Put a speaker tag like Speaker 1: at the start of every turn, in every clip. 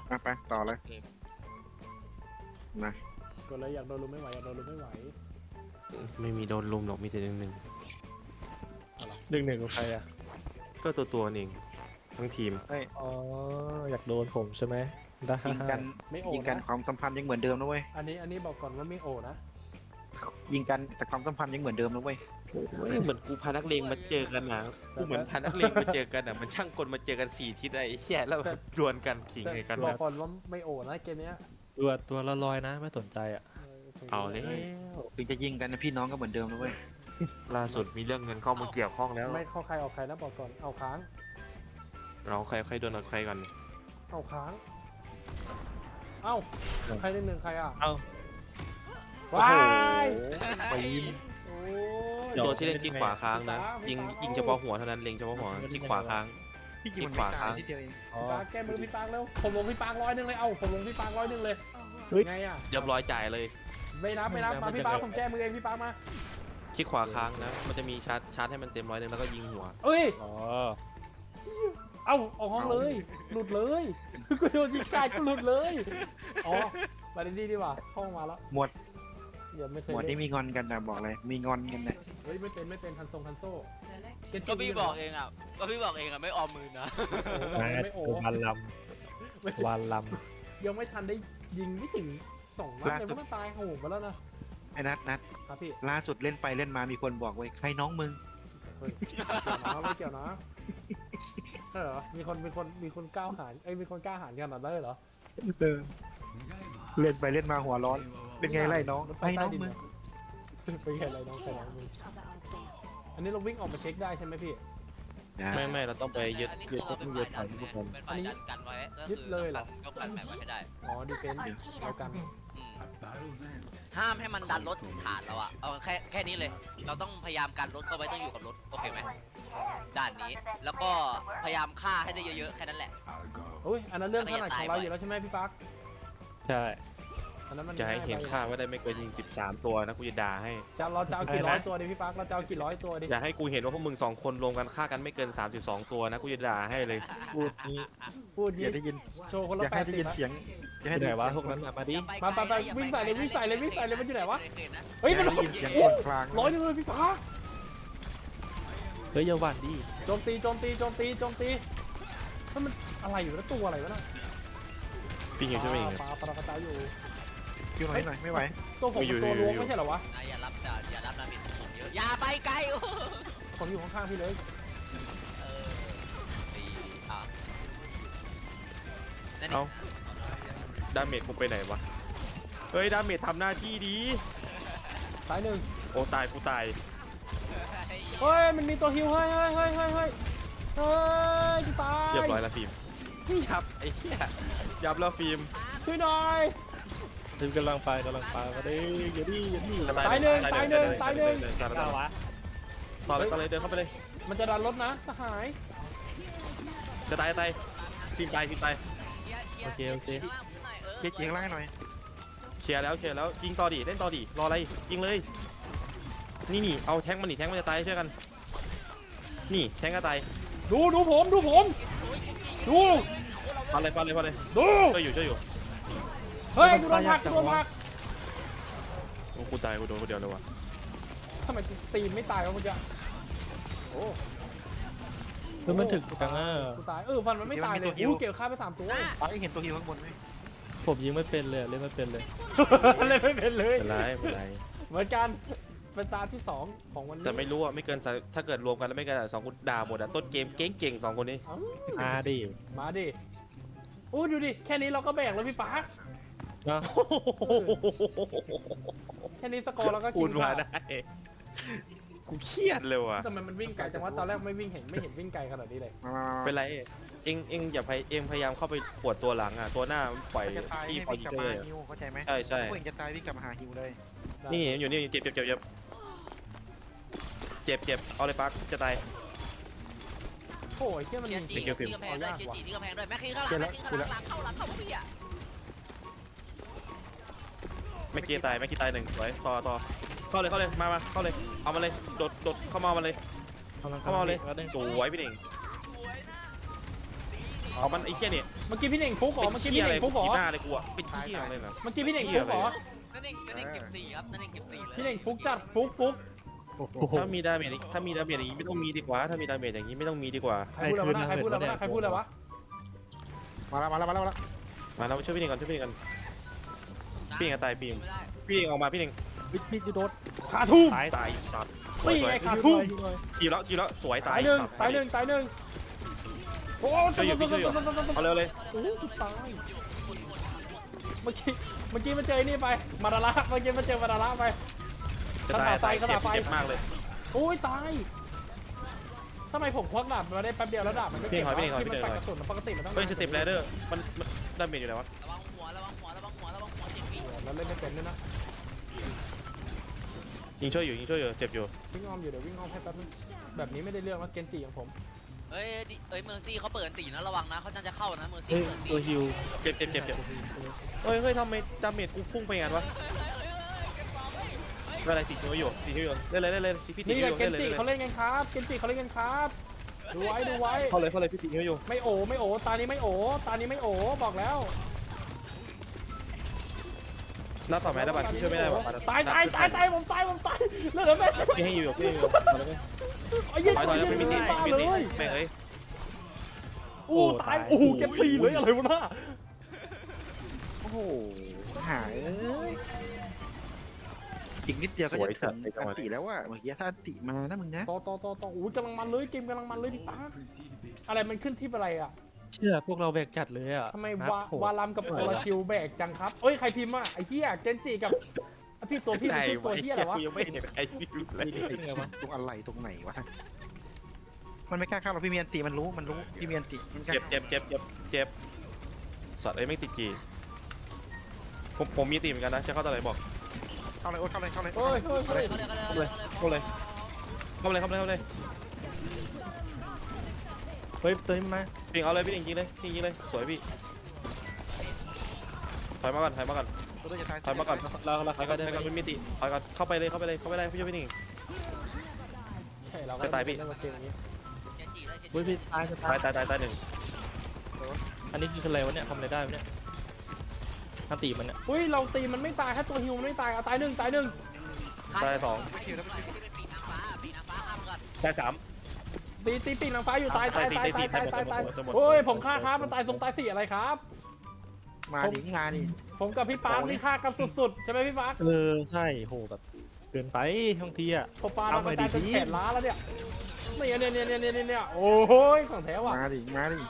Speaker 1: ไปต่อเลยนะ
Speaker 2: ก็เลยอยากโดนลุมไม่ไหวอยากโดนลุมไม่ไหว
Speaker 3: ไม่มีโดนลุมหรอกมีแต่หนึ่ง
Speaker 4: หนึ่งกับใครอ่ะ
Speaker 3: ก็ตัวเองทั้งทีม
Speaker 1: เฮ้ย
Speaker 4: อ๋ออยากโดนผมใช่ไหมได้
Speaker 1: ยิงกัน
Speaker 2: ไม่โอ
Speaker 1: ยิงกัน
Speaker 2: นะ
Speaker 1: ความสัมพันธ์ยังเหมือนเดิมนะเว้ย
Speaker 2: อันนี้บอกก่อนว่าไม่โอนะ
Speaker 1: ยิงกันแต่ความสัมพันธ์ยังเหมือนเดิมนะเว้ย
Speaker 3: เหมือนกูพานักเลงมาเจอกันนะกูเหมือนพานักเลงมาเจอกันอ่ะมันช่างกลมาเจอกัน4 ทิศไอ้เหี้ยแล้วดวลกันขิง
Speaker 2: แต่
Speaker 3: ไงกัน
Speaker 2: บอกก่อนว่าไม่โอนะเกมเนี้ย
Speaker 4: ตัวละลอยนะไม่สนใจอ่ะ
Speaker 3: เอาเลย
Speaker 1: ถึงจะยิงกันนะพี่น้องก็เหมือนเดิมนะเว้ย
Speaker 3: ล่าสุดมีเรื่องเงินเข้ามาเกี่ยวข้องแล้ว
Speaker 2: ไม่เข้าใครออกใครนะบอกก่อนเอาค้าง
Speaker 3: เราใครโดนใครก่อน
Speaker 2: เอาค้างเอ้าใครหนึ่งใครอ่ะ
Speaker 4: เอ้า
Speaker 2: ว้าย
Speaker 4: ปีน
Speaker 2: โอ้ย
Speaker 3: ตัวที่เล่นที่ขวาค้างนะยิงเฉพาะหัวเท่านั้นเล็งเฉพาะหัวที่ขวาค้าง
Speaker 1: พี่ยิงมัน
Speaker 3: ขวา
Speaker 1: ไม่ตา
Speaker 3: ค้าย ง
Speaker 1: ทีเดียวเอง
Speaker 4: อ๋อ
Speaker 2: พี่ปาร์คแก้มือพี่ปาร์คแล้วผมลงพี่ปาร์ค100เลยเอ้าผมลงพี่ปาร์ค100เลย
Speaker 4: เฮ้ย
Speaker 2: ไงอ่ะ
Speaker 3: เรียบร้อยจ่ายเลย
Speaker 2: ไม่นับมาพี่ปาร์คผมแก้มือเองพี่ปาร์คมา
Speaker 3: ที่ขวาค้างนะมันจะมีชาร์จให้มันเต็ม100แล้วก็ยิงหัว
Speaker 2: เอ้ย
Speaker 4: อ๋อ
Speaker 2: เอ้าออกห้องเลย หลุดเลยกูโดนยิงกายกูหลุดเลยอ๋อมาดีดีกว่าห้องมาแล้ว
Speaker 1: หมวด
Speaker 2: อย่าไม่เคย
Speaker 1: หมวด
Speaker 2: เล่
Speaker 1: นี้
Speaker 2: น
Speaker 1: มีงอนกันนะบอกเลยมีงอนกันนะ
Speaker 2: เฮ้ยไม่เป็นทันโซ่เน
Speaker 5: ก็พี่บอกเองอ่ะไม่ออมมือนะ
Speaker 2: ไม่โอ้
Speaker 4: วันล
Speaker 2: ไม่
Speaker 4: ำวันล
Speaker 2: ยังไม่ทันได้ยิงไม่ถึง2 นัดเลยมันตายโหงไปแล้วนะ
Speaker 1: ไอ้นัท
Speaker 2: ครับพี่
Speaker 1: ล่าสุดเล่นไปเล่นมามีคนบอกไว้ใครน้องมึง
Speaker 2: เฮ้ยไม่เกี่ยวนะใช่เหรอมีคนก้าวหารมีคนกล้าหารขนาดนั้นเลยเหรอ
Speaker 1: เล่นไปเล่นมาหัวร้อนเป็นไงไล่น้อง
Speaker 2: รถไฟ
Speaker 1: ไอ้
Speaker 2: ใต้
Speaker 1: น้อง
Speaker 2: ดิน
Speaker 1: มึง
Speaker 2: เป็นไงไรน้องใครน้องมึงอันนี้เราวิ่งออกมาเช็คได้ใช่ไหมพี่
Speaker 3: ไม่เราต้องไปยึด
Speaker 5: อันนี้คือเราเป็นฝ่ายดันไงเป็นฝ่ายดันกันไว้ก็
Speaker 2: ยึด
Speaker 5: คือ
Speaker 2: เลยเหรอ
Speaker 5: ก็กันแบบไว้ให้ได้
Speaker 2: อ๋อดีเฟนส์แล้วกัน
Speaker 5: อืมห้ามให้มันดันรถถึงฐานเราอะเอาแค่นี้เลย เราต้องพยายามกันรถเข้าไว้ต้องอยู่กับรถโอเคไหมด่านนี้แล้วก็พยายามฆ่าให้ได้เยอะๆแค่นั้นแหละ
Speaker 2: โอ้ยอันนั้นเรื่องถนัดของเราอยู่แล้วใช่ไหมพี่ปั๊ก
Speaker 4: ใช่
Speaker 2: อันนั้นมัน
Speaker 3: จะให้เห็นค่าว่าได้ไม่เกิน13 ตัวนะกูจะด่าให้
Speaker 2: เราจะเอากี่ร้อยตัวดิพี่ปั๊กเราจะเอากี่ร้อยตัวดิ
Speaker 3: อย่าให้กูเห็นว่าพวกมึง2 คนรวมกันฆ่ากันไม่เกิน32 ตัวนะกูจะด่าให้เลย
Speaker 4: พูดนี้
Speaker 2: พูด
Speaker 1: อ
Speaker 2: ยิ
Speaker 1: ย่าได้ยิน
Speaker 2: โชว์คน
Speaker 1: อ
Speaker 2: ละ
Speaker 1: ย่า
Speaker 2: แป
Speaker 1: ให้
Speaker 2: ด
Speaker 1: ได้
Speaker 2: สิ
Speaker 1: ยิ
Speaker 2: บ
Speaker 1: นเสียงอย่าให้
Speaker 4: ที่ไหน
Speaker 1: ได้
Speaker 4: วะพวกนั้นมาดิ
Speaker 2: วิ่งใส่เลยมันอยู่ไหนวะเฮ้ย
Speaker 1: ยิ
Speaker 2: มัน
Speaker 1: นเสียงคนกลาง
Speaker 2: ร้อยนึงเลยพี่ปั๊ก
Speaker 4: เฮ้ยอย่าหวั่นดิ
Speaker 2: โจมตีถ้ามันอะไรอยู่แล้วตัวอะไรวะน่ะ
Speaker 3: พี่หิวใช่ไหม
Speaker 2: ปลากระจายอยู่
Speaker 1: คิวหน่อยไม่ไหว
Speaker 2: ตัวผมเป็นตัวล้วงไม่ใช่เหรอวะ
Speaker 5: อย่ารับดาเมจสูงเยอะอย่าไปไกลโอ้
Speaker 2: ผมอยู่ข้างๆพี่เลย
Speaker 5: ตีนั่น
Speaker 3: เอ้าดาเมจกูไปไหนวะเฮ้ยดาเมจทำหน้าที่ดี
Speaker 2: สายหนึ่ง
Speaker 3: โอ้ตายกูตาย
Speaker 2: เฮ้ยมันมีตัวฮิวเฮ้ยจะตาย
Speaker 3: เรียบร้อยแล้วฟิล์มยับไอ้เหี้ยยับแล้วฟิล์ม
Speaker 2: ช่วยหน่อย
Speaker 4: ถึงกำลังไปมาดิอย่าดิ
Speaker 3: จะ
Speaker 2: ตายหนึ่ง
Speaker 4: ก้าววะ
Speaker 3: ต่อเลยเดินเข้าไปเลย
Speaker 2: มันจะดันรถนะสหาย
Speaker 3: จะตายซิมตาย
Speaker 4: โอเค
Speaker 1: เจ๊เจียงล่างหน่อย
Speaker 3: เคลียร์แล้วยิงต่อดิเล่นต่อดิรออะไรยิงเลยนี่เอาแทงมันจะตายเชื่อกันนี่แทงก็ตาย
Speaker 2: ดูผมดู
Speaker 3: ฟันเลยช่วยอยู่
Speaker 2: เฮ้ยกูโดนผัก
Speaker 3: โอ้กูตายกูโดนคนเดียวเลยว่ะ
Speaker 2: ทำไมตีนไม่ตายวะเมื่อกี้โอ้
Speaker 4: คือมันถึงจังอ่ะ
Speaker 2: กูตายฟันมันไม่ตายเลยเกี่ยวฆ่าไป3 ตัว
Speaker 1: ป้าเห็นตัวฮิวข้างบนไหม
Speaker 4: ผมยิงไม่เป็นเลยเล่นไม่เป็นเลย
Speaker 2: เล่นไม่เป็นเลย
Speaker 3: เป็นไร
Speaker 2: เหมือนกันเป็นตาที่2ของวันนี้
Speaker 3: แต่ไม่รู้อ่ะไม่เกินถ้าเกิดรวมกันแล้วไม่เกิน2กูด่าหมดอ่ะต้นเกมเก่ง2 คนนี้
Speaker 4: มาดิ
Speaker 2: มาดิโอ้ดูดิแค่นี้เราก็แบกแล้วพี่ป๊า
Speaker 4: เนาะ
Speaker 2: แค่นี้สกอร์เราก็
Speaker 3: พู
Speaker 2: กิ
Speaker 3: ด
Speaker 2: น
Speaker 3: มา
Speaker 2: ขาด
Speaker 3: ได้กูเครียดเลยว่ะ
Speaker 2: ทำไมมันวิ่งไกลจังวะตอนแรกไม่เห็นวิ่งไกลขนาดนี้เลย
Speaker 1: มา
Speaker 3: เป็นไรเอ็งอย่าพยายามเข้าไปปวดตัวหลังอ่ะตัวหน้าปล่อย
Speaker 1: จะตาย
Speaker 3: ที่
Speaker 1: ให้
Speaker 3: พอ
Speaker 1: วิ่ง
Speaker 3: ยิ
Speaker 1: ก
Speaker 3: ง
Speaker 1: ลับ
Speaker 3: เล
Speaker 1: มาย ฮิวเข้าใจไหม
Speaker 3: ใช่
Speaker 1: พวกเองจะตายวิ่งกลับมาหาฮิวเลย
Speaker 3: นี่อยู่นี่เจ็บเอาเลยปักจะตาย
Speaker 2: โอ้ยเชี่ยมัน
Speaker 5: เชีย
Speaker 2: มี
Speaker 5: ร์จีที่กำแพงด้วยแม็กคิงข้างหลังหลังเข้าพี่อ่ะ
Speaker 3: ไม่กี้ตาย1สวยต่อเข้าเลยมาเข้าเลยเอามาเลยโดดเข้ามาเลย เข้ามาเลยสวยพี่เน่ง
Speaker 5: สวยนะ
Speaker 4: เอา
Speaker 3: เอามันไอ้เหี้ยเนี่ย
Speaker 2: เมื่อกี้พี่เน่งฟุกเหรอ
Speaker 3: เป็น
Speaker 2: เมื่อกี้
Speaker 3: เหี้ย
Speaker 2: พี่
Speaker 3: อะไร
Speaker 2: เน่ง
Speaker 3: กู
Speaker 2: ฟุกเหรอ
Speaker 3: ขี่หน้าเลยกูอะเป็นเหี้ยเลยนะ
Speaker 2: เมื่อกี้พี่เน่งฟุกเหรอ
Speaker 5: นั่นเองเก็บสี่ครับนั่นเองเก็บสี่เลย
Speaker 2: พี่เน่งฟุกจัดฟุก
Speaker 3: ถ้ามีดาเมจอย่างนี้ไม่ต้องมีดีกว่าถ้ามีดาเมจอย่างนี้ไม่ต้องมีดีกว่า
Speaker 2: ใครพูดอะไรวะใครพูดอะไรวะ
Speaker 1: มาแล้วมาแล้วมาแล้วมาแล้ว
Speaker 3: มาแล้วช่วยพี่เน่งก่อนช่วยพี่เน่งก่อนพี่เน่งตายฟิล์ม
Speaker 5: ไม่ได้
Speaker 3: พี่เน่งออกมาพี่เน่ง
Speaker 4: พี่จะโดน
Speaker 2: ขาทุ่ม
Speaker 4: ตาย
Speaker 3: ตายสัตว์
Speaker 2: นี่ไงขาทุ่ม
Speaker 3: ทีแล้วสวย
Speaker 2: ตา
Speaker 3: ตาย ย
Speaker 2: หนึ่ง
Speaker 3: สัตว์
Speaker 2: ตายหนึ่งโอ้
Speaker 3: ช่วยอยู่พี่ช่วยอยู่เอาเร็วเลย
Speaker 2: โอ้ตายเมื่อกี้มันเจอไอ้นี่ไปมาดาระเมื่อกี้มันเจอมาดาระไป
Speaker 3: จะตายเจ็บมากเลย
Speaker 2: โอ้ยตายทำไมผมควักดาบมาได้แป๊บเดียวแล้วดาบมันก็เก็บที่มันปัดกระสุนปกติมันต้อง
Speaker 3: เฮ้ยสเต็ปแรเดอร์มันดาเมจอยู่ไหนวะ
Speaker 5: ระวังหัวเจ็บปี
Speaker 2: เราเล่นไม่เป็นด้วยนะ
Speaker 3: ยิงช่วยอยู่เจ็บอยู่
Speaker 2: วิ่งอ้อมอยู่เดี๋ยววิ่งอ้อมให้แป๊บนึงแบบนี้ไม่ได้เรื่องแล้วเกนจิของผม
Speaker 5: เฮ้ยเมอร์ซี่เขาเปิดอันตีนะระวังนะเขาจะเข้านะเมอร์ซี่
Speaker 4: เฮ้ย
Speaker 5: เปิดอันตี
Speaker 4: ตัวฮิว
Speaker 3: เจ็บเฮ้ยทำไมดาเมจกูพุ่งไปงั้นวะอะไรติดนิ้วอยู่เล่นพี่ติด
Speaker 2: นี่
Speaker 3: นิ้ว
Speaker 2: แห
Speaker 3: อ
Speaker 2: ละ
Speaker 3: ยู่
Speaker 2: เกนจิเขาเล่นกันครับเกนจิเขาเล่นกันครับดูไว้
Speaker 3: เข้าเลยพี่ติดนิ้วอยู่
Speaker 2: ไม่โอตานี้ไม่โอบอกแล้ว
Speaker 3: นัดต่อแม่ได้ป่ะช่วยไม่ได้ป่ะ
Speaker 2: ตายผมตายเลือดแม่
Speaker 3: พี่ให้อยู่
Speaker 2: ไอ้ยี่
Speaker 3: ถอยไม่มีติด
Speaker 2: ตายเลย
Speaker 3: แม่งเอ้ย
Speaker 2: อู้ตายโอ้โหเก็บปีเลยอะไรวะน่ะ
Speaker 1: โอ้โหหายเอ้ยอีกนิดเดียวก็จะถึงอันติแล้วว่ะเมื่อกี้ถ้าอันติมานะมึงนะ
Speaker 2: ต่ออู้กำลังมันเลยเกมกำลังมันเลยพี่ตาอะไรมันขึ้นที่อะไรอ่ะ
Speaker 4: เชื่อพวกเราแบกจัดเลยอ่ะ
Speaker 2: ทำไม
Speaker 4: นัดโหด
Speaker 2: วาลัมกับโอราชิวแบกจังครับเอ้ยใครพิมพ์อ่ะไอ้เหี้ยเกนจิกับพี่ตัวพี่มันชื่อตัวเหี้ยอะไรวะ
Speaker 3: ยังไม่เห็นใครพิมพ์เลย
Speaker 4: เป็นไงวะ
Speaker 1: ตรงอะไรตรงไหนวะมันไม่กล้าเข้าหรอกพี่เมียนติมันรู้พี่เมียนติมันกล้า
Speaker 3: เจ็บสัตว์ไอ้ไม่ติดจีผมมีตีเหมือนกันนะจะเข้าตอนไหนบอก
Speaker 1: เข้าเลยเข้าเลย
Speaker 2: เฮ้ย
Speaker 5: เข้าเลย
Speaker 3: เข้าเลย
Speaker 4: เฮ้ยเติมมา
Speaker 3: พี่เอาเลยพี่ยิงเลยสวยพี่ถอยมาก่อน
Speaker 1: ตัวจะตาย
Speaker 3: ถอยมาก่อน
Speaker 4: เรา
Speaker 3: ถอยก่อนไม่มีติถอยก่อนเข้าไปเลยพี่ช่วยพี่หนิง
Speaker 2: ใช่เรา
Speaker 3: จะตายพี่
Speaker 2: เล่นเกมนี้
Speaker 5: เจนจีเลยเจน
Speaker 4: เฮ้ย
Speaker 5: จี
Speaker 4: พี่ตายจะ
Speaker 3: ตายหนึ่ง
Speaker 4: อันนี้คืออะไรวะเนี่ยทำอะไรได้วะเนี่ยอันตีมันเนี่ย
Speaker 2: อุ้ยเราตีมันไม่ตายแค่ตัวฮิวมันไม่ตายตายหนึ่ง
Speaker 3: ตายสอง
Speaker 1: ไม่คิวแล้วไม่คิว
Speaker 5: เป็นปีนางฟ้าข้ามกัน
Speaker 3: ตายสาม
Speaker 2: ตีปีกนางฟ้าอยู่ตาย
Speaker 3: ตายหมด
Speaker 2: โอ้ยผมฆ่าครับมันตายทรงตายสี่อะไรครับ
Speaker 1: มาดิงานดิ
Speaker 2: ผมกับพี่ปาร์คนี่ฆ่ากันสุดๆใช่ไหมพี่ปาร์ค
Speaker 4: ใช่โหแบบเกินไปบางทีอ่ะ
Speaker 2: พอปาร์ค
Speaker 4: เอา
Speaker 2: เรา
Speaker 4: หน่
Speaker 2: ตา
Speaker 4: อย ย
Speaker 2: จน
Speaker 4: ดิ
Speaker 2: แขนล้าแล้วเนี่ยเนี่ยโอ้ยของแท้ว่ะ
Speaker 1: มาดิ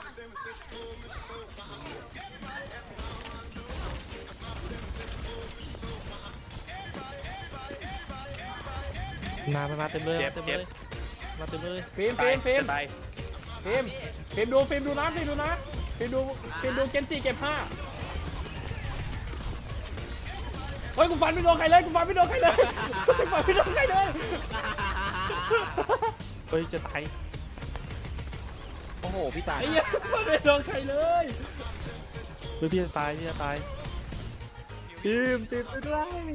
Speaker 4: มาเต็มเลยมาเต็มเลย
Speaker 2: ฟิล์ม
Speaker 3: ตาย
Speaker 2: ฟิล์ม
Speaker 3: ตาย
Speaker 2: ดูนะฟิล์มดูเกนจิเก็บผ้าเฮ้ยกูฟันไม่โดนใครเลย
Speaker 4: เฮ้ยจะตาย
Speaker 1: โอ้โหพี่ตาย
Speaker 2: ไอ้เหี้ยมันไม่โดนใครเลย
Speaker 4: เฮ้ยพี่จะตายทีมไปด้วย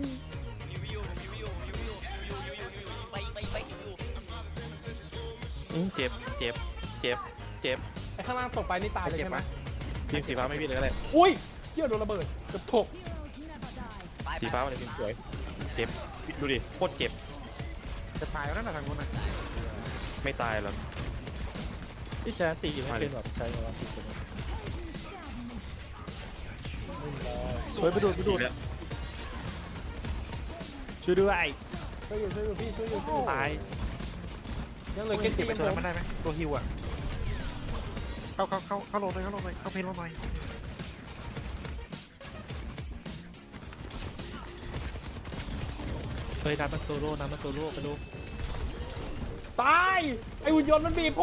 Speaker 3: เจ็บ
Speaker 2: ไอ้ข้างล่างตกไปนี่ตายเลยใช่ไหม
Speaker 3: ทีมสีฟ้าไม่พี่เลยก็ได้
Speaker 2: อุ้ยเหี้ยโดนระเบิดเกือบถก
Speaker 3: สีฟ้ามันเป็นสวยเจ็บดูดิโคตรเจ็บ
Speaker 1: จะตายแล้วนั่นแหละทางนู้นนะ
Speaker 3: ไม่ตายหรอก
Speaker 4: พี่ใช้อันตีไม่เป็นแบบใช้แบบเฮ้ยไปดูช่วยด้วย
Speaker 2: ช่วยอยู่พี่
Speaker 4: ตาย
Speaker 2: ยังเหลือเกนจิ
Speaker 1: ไป
Speaker 2: ยัง
Speaker 1: ตัว
Speaker 2: ผม
Speaker 1: มันได้ไหมตัวฮิวอ่ะเข้าลงเลยเข้าเพลงลงหน่อย
Speaker 4: เฮ้ยน้ำมันโซโล่ไปดู
Speaker 2: ตายไอ้หุ่นยนต์มันบีบผม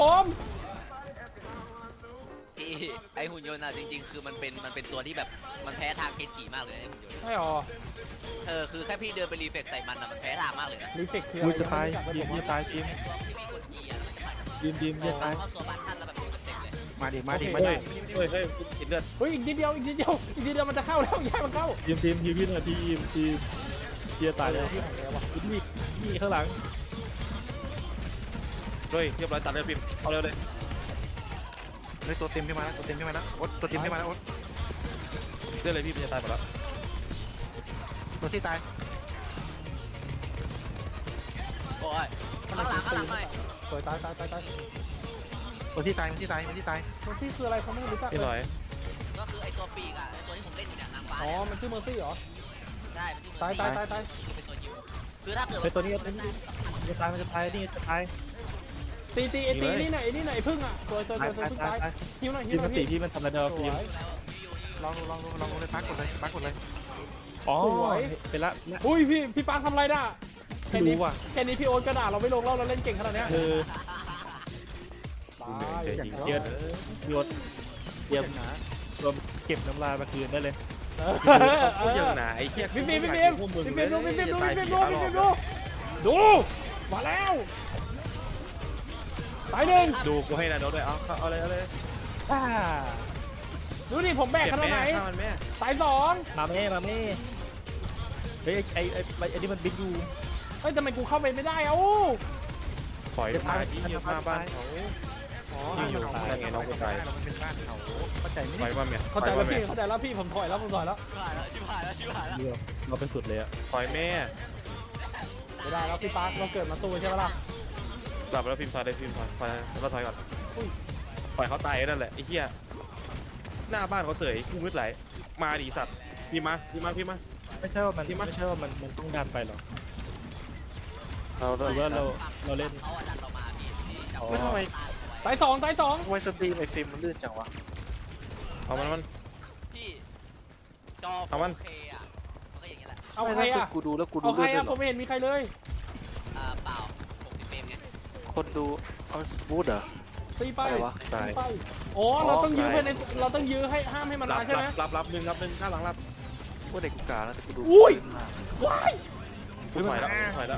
Speaker 5: พี่ไอหุ่นยนต์อ่ะจริงๆคือมันเป็นตัวที่แบบมันแพ้ทางเคนจิมากเลยไอหุ่นยนต์
Speaker 2: ใช่หรอ
Speaker 5: คือแค่พี่เดินไปรีเฟกใส่มันอ่ะมันแพ้ทางมากเลยนะ
Speaker 2: รีเฟกคือ
Speaker 4: มึ
Speaker 2: อะ
Speaker 4: ง
Speaker 2: ไร
Speaker 4: จะตาย
Speaker 2: ยังไม่
Speaker 4: ที
Speaker 2: รู้
Speaker 4: ม
Speaker 2: จัก
Speaker 4: จะตายทีม
Speaker 5: ที่มีกด E อ่ะแล้วมันจะผ่าน
Speaker 4: ทีมจะตาย
Speaker 5: เข้าตัวบ้านท่านแล้วแบบเต็มเลย
Speaker 1: มาดิ
Speaker 3: เฮ้ยกินเลือด
Speaker 2: เฮ้ยอีกนิดเดียวมันจะเข้าแล้วย้ายมันเข้า
Speaker 4: ทีมพี่หน่อยทีมจะตายแล้ว
Speaker 2: ที่ไหนแล้ววะ
Speaker 4: นี่ข้างหลัง
Speaker 3: เฮ้ยเรียบร้อยตัดเลือดพิมเอาเร็วเลย
Speaker 1: เฮ้ยตัวเต็มขึ้นมาแล้วตัวเต็มขึ้นมาแล้วโอ๊ตตัวเต็มขึ้นมาแล้วโอ๊ต
Speaker 3: เรื่องอะไรพี่มันจะตายหมดแล้ว
Speaker 1: ตัวที่ตาย
Speaker 5: โอ้ยข้างหลังหน่อย
Speaker 2: สวยตาย
Speaker 1: ตัวที่ตายมันที่ตายมันที่ตาย
Speaker 2: ตัวที่คืออะไรเขาไม่รู้จัก
Speaker 3: พี่หน่อย
Speaker 5: ก็คือไอตัวปีกอ่ะไอตัวที่ผมเล่นอยู่เนี่ยนางฟ้า
Speaker 2: อ๋อมันชื่อเมอร์ซี่เหรอ
Speaker 5: ได้มันที่
Speaker 2: ตาย
Speaker 5: เป็นตัวยิวคือถ้าเกิด
Speaker 4: เฮ้ยตัวนี้จะตายมันจะตายนี่จะตาย
Speaker 2: ตีไอ้ตีนี่ไหนนี่ไหนพึ่งอ่ะสวยพึ่งตายหิวหน่อย
Speaker 4: พี่มันตีพี่มันทำอะไรเนาะ
Speaker 2: ส
Speaker 4: พี่
Speaker 2: วย
Speaker 1: ลองเลยปักกดเลย
Speaker 4: อ๋อ
Speaker 2: สวย
Speaker 4: ไปละ
Speaker 2: อุ้ยพี่ปางทำอะไรน่ะแค่
Speaker 4: ไม่
Speaker 2: นี้
Speaker 4: รู้ว่ะ
Speaker 2: แค่นี้พี่โอ๊ตก็ด่าเราไม่ลงแล้วเราเล่นเก่งขนาดเนี้ย
Speaker 4: คือ
Speaker 2: ตาย
Speaker 4: เดี๋ยวโยนเดี๋ยวรวมเก็บน้ำลายมาคืนได้เลย
Speaker 3: พูดอย่างหนาไอ้เหี้ย
Speaker 2: พี่ฟิล์ม
Speaker 3: พวกมึง
Speaker 2: ดูมาแล้วตายหนึ่ง
Speaker 3: ดูกูให้นาโนด้วยเอาเลย
Speaker 4: อ่า
Speaker 2: ดูดิผมแบก
Speaker 3: เก็บ
Speaker 2: ขนาด
Speaker 3: แม่
Speaker 2: ไหน
Speaker 3: ฆ่ามันแม่
Speaker 2: ตายสอง
Speaker 4: มาแม่เฮ้ยไอ้นี่มันบินอยู่
Speaker 2: เฮ้ยทำไมกูเข้าไปไม่ได้เอ้า
Speaker 3: ปล่อยมาที่เยี่ยมมาบ้านเขา
Speaker 2: อ๋อ
Speaker 3: อยู่นั่นไงน้องกูตาย
Speaker 1: มันเป็นบ้านเขาเข้าใจไหม
Speaker 3: ปล่อยมาเมีย
Speaker 2: เข้าใจแล้วพี่เข้าใจแล้วพี่ผมถอยแล้ว
Speaker 5: ชิบหายแล้ว
Speaker 4: เดียวเราเป็นสุดเลยอะ
Speaker 3: ปล่อยแม่
Speaker 2: ไม่ได้แล้วพี่ปาร์คเราเกิดมาสู้ใช่ไหมล่ะ
Speaker 3: กลับแล้วฟิล์มถอยเลยฟิล์มถอยแล้วถอยก่อนปล่อยเขาตายนั่นแหละไอ้เหี้ยหน้าบ้านเขาเสยกูมืดไหลมาดิสัตว์พี่มา
Speaker 4: ไม่ใช่ว่ามันต้องดันไปหรอกหรือว่าเราเล่น
Speaker 5: เขาดันเรามาพี่
Speaker 4: ไม่ทำไม
Speaker 2: ตายสอง
Speaker 4: ทำไมสตรีมไอ้ฟิล์มมันลื่นจังวะ
Speaker 3: เอามัน
Speaker 5: พี่จอ
Speaker 3: เอามัน
Speaker 5: โอเคอ่ะมันก็อย่างนี้แหละ
Speaker 2: เอาใครอ่ะ
Speaker 4: กูดูแล้วกูดู
Speaker 2: เอาใคร
Speaker 4: เลื่อน
Speaker 2: อ่ะ
Speaker 4: ด้วย
Speaker 2: ผมไม่เห็นมีใครเลย
Speaker 5: เปล่า60เฟรมไง
Speaker 4: คนดูเอาบูธเหรอ
Speaker 2: ตีไป
Speaker 4: อะไรวะ
Speaker 3: ตาย
Speaker 2: ไปอ๋อเราต้องยื้อให้เราต้องยื้อให้ห้ามให้มันมาใช่ไหม
Speaker 3: รับหนึ่งข้างหลังรับ
Speaker 4: ว่าเด็กกูกาแล้วแต่กูดู
Speaker 2: อุ้ยว้าย
Speaker 3: ถอยแล้ว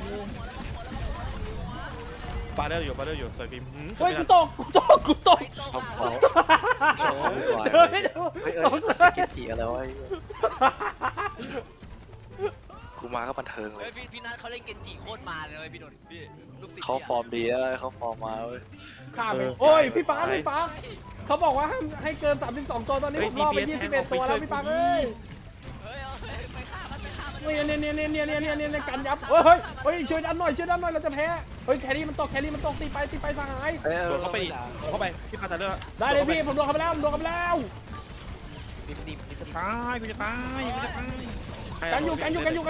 Speaker 3: ปาเดอร์อยู่สวยฟิล์ม
Speaker 2: เฮ้ยกูตก
Speaker 4: เขาเขาชอบวุ่นวาย
Speaker 2: เดี๋ยวให้ดู
Speaker 4: เฮ้ย
Speaker 2: ตกเลย
Speaker 4: เกจิอะไรวะกูมาก็บันเทิงเล
Speaker 5: เฮ้
Speaker 4: ย
Speaker 5: ยพี่นัทเขาเล่นเกนจิโคตรมาเลยพี่นนท์พี่ลูกศิษย์
Speaker 4: เขาฟอร์มดีแล้วเขาฟอร์มมาเว้ย
Speaker 2: ข้ามไปโอ้ยพี่ปาร์คเขาบอกว่าให้เกิน32ตัวตอนนี้ผมรอไป21ตัวแล้วพี่ปาร์คเอ้ย
Speaker 5: เฮ้ยไปฆ่ามัน
Speaker 2: เนี่ยกันยับเฮ้ยช่วยดันหน่อยเราจะแพ้เฮ้ยแครี่มันตกตีไปสหาย
Speaker 3: โดนเข้าไปพี่ปาตาเดอร์
Speaker 2: ได้เลยพี่ผมโดนเข้าไปแล้ว
Speaker 4: นิ่ม
Speaker 1: กูจะตาย
Speaker 2: กันอยู่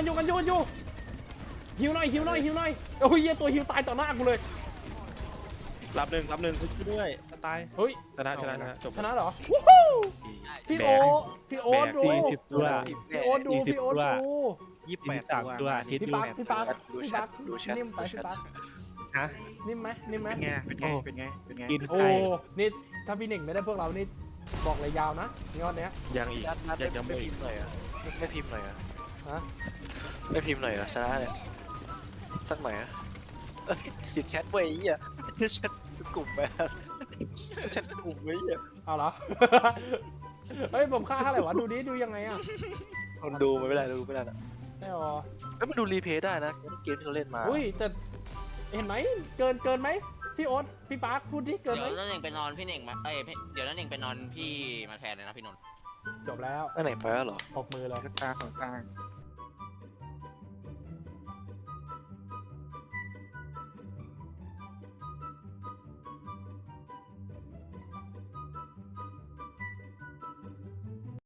Speaker 2: หิวหน่อยโอ้ยเหี้ยตัวหิวตายต่อหน้ากูเลย
Speaker 3: รับหนึ่ง
Speaker 4: ๆช่วยด้วยตาย
Speaker 2: เฮ้ย
Speaker 3: ชนะจบ
Speaker 2: ชนะเหรอวู้ฮู้พี่โอ๊ตดู
Speaker 4: 40ตัว
Speaker 2: พี่โอ๊ตดู
Speaker 1: 28 ตัว
Speaker 4: คิด
Speaker 2: พี่
Speaker 4: ดู
Speaker 2: ปาร์คนิ่มไปพี่ปาร์ค
Speaker 4: ฮะ
Speaker 2: นิ่มไหม
Speaker 1: เป็นไง
Speaker 4: กิน
Speaker 2: โอ้
Speaker 4: ไข่
Speaker 2: นี่ถ้าพี่หนึ่งไม่ได้พวกเรานี่บอกเลยยาวนะงอนเนี้ย
Speaker 3: ยังอีกยัง
Speaker 4: ไม่
Speaker 3: ไม่
Speaker 4: พิมพ์หน่อยอ่ะไม่พิมพ์หน่อยอ่ะ
Speaker 2: ฮะ
Speaker 4: ไม่พิมพ์หน่อยอ่ะชนะเนี่ยสักหน่อยอ่ะขีดแชทไว้อ่ะแชทกลุ่มไปแชทกลุ่มไว้อ่ะ
Speaker 2: เอาเหรอ เฮ้ยผมค่าเท่าไหร่วะดูดิดูยังไงอ่ะ
Speaker 4: คนดูมันไม่ได้ดูไม่ได้นะ
Speaker 2: ไม่หรอ
Speaker 4: เอ้ยมันดูรีเพย์ได้นะเกมที่เราเล่นมา
Speaker 2: อุ้ยแต่เห็นไหมเกินไหมพี่โอ๊ตพี่ปาร์คพูดดิเกิน
Speaker 5: เดี๋
Speaker 2: ไหม
Speaker 5: ยวนั่นเองไปนอนพี่เน่งมาเดี๋ยวนั่นเองไปนอนพี่มาแทนเลยนะพี่นนท์
Speaker 2: จบแล้ว
Speaker 4: อันไหนไปแล้วเหรอ
Speaker 2: ปกมือเลย
Speaker 1: ตาของตา